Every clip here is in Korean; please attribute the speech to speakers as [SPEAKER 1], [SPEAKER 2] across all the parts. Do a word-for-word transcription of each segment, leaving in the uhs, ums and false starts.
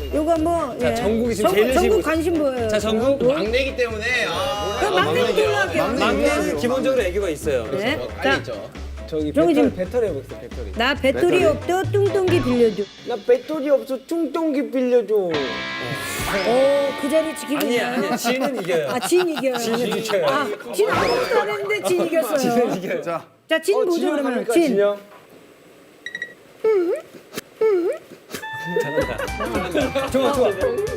[SPEAKER 1] 요거 뭐
[SPEAKER 2] 자,
[SPEAKER 1] 예.
[SPEAKER 2] 정국이 지금
[SPEAKER 1] 정-
[SPEAKER 2] 제일
[SPEAKER 1] 정국
[SPEAKER 2] 열심히
[SPEAKER 1] 관심 보여요.
[SPEAKER 2] 자, 정국.
[SPEAKER 3] 막내기 때문에 아,
[SPEAKER 1] 그럼 막내부터 올라갈게요.
[SPEAKER 2] 막내는 기본적으로 애교가 있어요.
[SPEAKER 1] 네.
[SPEAKER 3] 어,
[SPEAKER 1] 자,
[SPEAKER 3] 빨리 있죠.
[SPEAKER 2] 저기
[SPEAKER 1] 저기 지금-
[SPEAKER 2] 배터리 해보겠어, 배터리.
[SPEAKER 1] 나 배터리 없어 뚱뚱기 빌려줘.
[SPEAKER 4] 나 배터리 없어 뚱뚱기 빌려줘.
[SPEAKER 1] 오, 그 자리 지키고
[SPEAKER 2] 아니야,
[SPEAKER 1] 있나요?
[SPEAKER 2] 아니야. 지는 이겨요.
[SPEAKER 1] 아, 진 이겨요.
[SPEAKER 2] 진은 이겨요.
[SPEAKER 1] 아, 진 아무것도 안 했는데 진 이겼어요.
[SPEAKER 2] 지는 이겨요.
[SPEAKER 1] 자, 진
[SPEAKER 4] 어,
[SPEAKER 1] 보죠
[SPEAKER 4] 진영
[SPEAKER 1] 그러면.
[SPEAKER 4] 갑니까,
[SPEAKER 1] 진.
[SPEAKER 4] 진영?
[SPEAKER 2] 잘한다. 좋아, 좋아.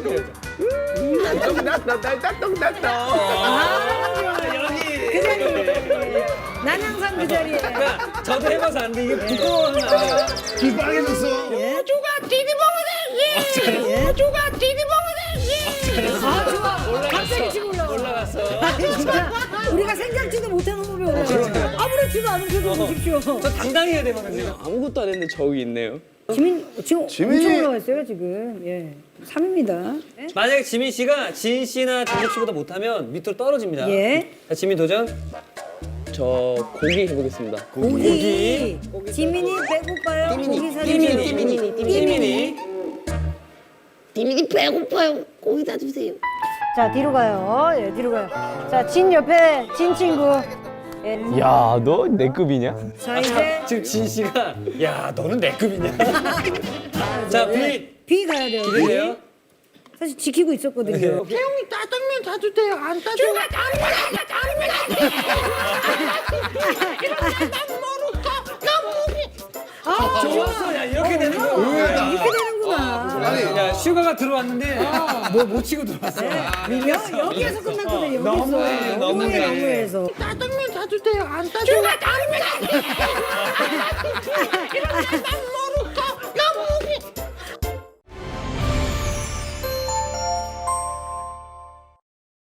[SPEAKER 1] 그 자리. 난 항상 그 자리에.
[SPEAKER 2] 그러니까 저도 해봐서 안 돼. 이게 부끄러워하면 안 돼요.
[SPEAKER 3] 귀 빨개졌어.
[SPEAKER 1] 예. 조가 디디버거대기. 조가 디디버거대기. 아, 좋아. 갑자기 지금 올라와.
[SPEAKER 2] 올라갔어.
[SPEAKER 1] 아니, 진짜 우리가 생각지도 못한 호흡이 올라와. 아무렇지도 않은 표정 보십시오.
[SPEAKER 2] 저 당당히 해야 되거든요.
[SPEAKER 4] 아무것도 안 했는데 저기 있네요.
[SPEAKER 1] 지민 지금
[SPEAKER 3] 지민이-
[SPEAKER 1] 엄청 올라왔어요 지금. 예. 삼입니다.
[SPEAKER 2] 만약에 지민 씨가 진 씨나 정국 씨보다 못하면 밑으로 떨어집니다.
[SPEAKER 1] 예.
[SPEAKER 2] 자, 지민 도전.
[SPEAKER 4] 저 고기 해보겠습니다.
[SPEAKER 1] 고기. 지민이 배고파요. 고기 사주세요.
[SPEAKER 2] 띠미니, 띠미니, 띠미니.
[SPEAKER 5] 디미니 배고파요. 고기 다 주세요.
[SPEAKER 1] 자 뒤로 가요. 예, 뒤로 가요. 자, 진 옆에 진 친구. 예.
[SPEAKER 4] 야, 너 내 급이냐?
[SPEAKER 1] 자 이제
[SPEAKER 2] 지금 진 씨가 야, 너는 내 급이냐? 자, 비
[SPEAKER 1] 비 가야 돼요. 비.
[SPEAKER 2] 기대돼요.
[SPEAKER 1] 사실 지키고 있었거든요.
[SPEAKER 5] 태용이 짜장면 사주세요. 안 짜줘. 누가 짜장면
[SPEAKER 1] 아,
[SPEAKER 2] 좋았어. 야, 이렇게 되는 거.
[SPEAKER 1] 아, 이렇게 되는구나.
[SPEAKER 3] 아니,
[SPEAKER 2] 야, 슈가가 들어왔는데 뭐 못 치고 들어왔어.
[SPEAKER 1] 여, 여기에서 끝났거든요. 여기서.
[SPEAKER 2] 너무해, 너무해.
[SPEAKER 1] 너무해서.
[SPEAKER 5] 짜장면 사주세요. 안 짜줘. 누가 짜장면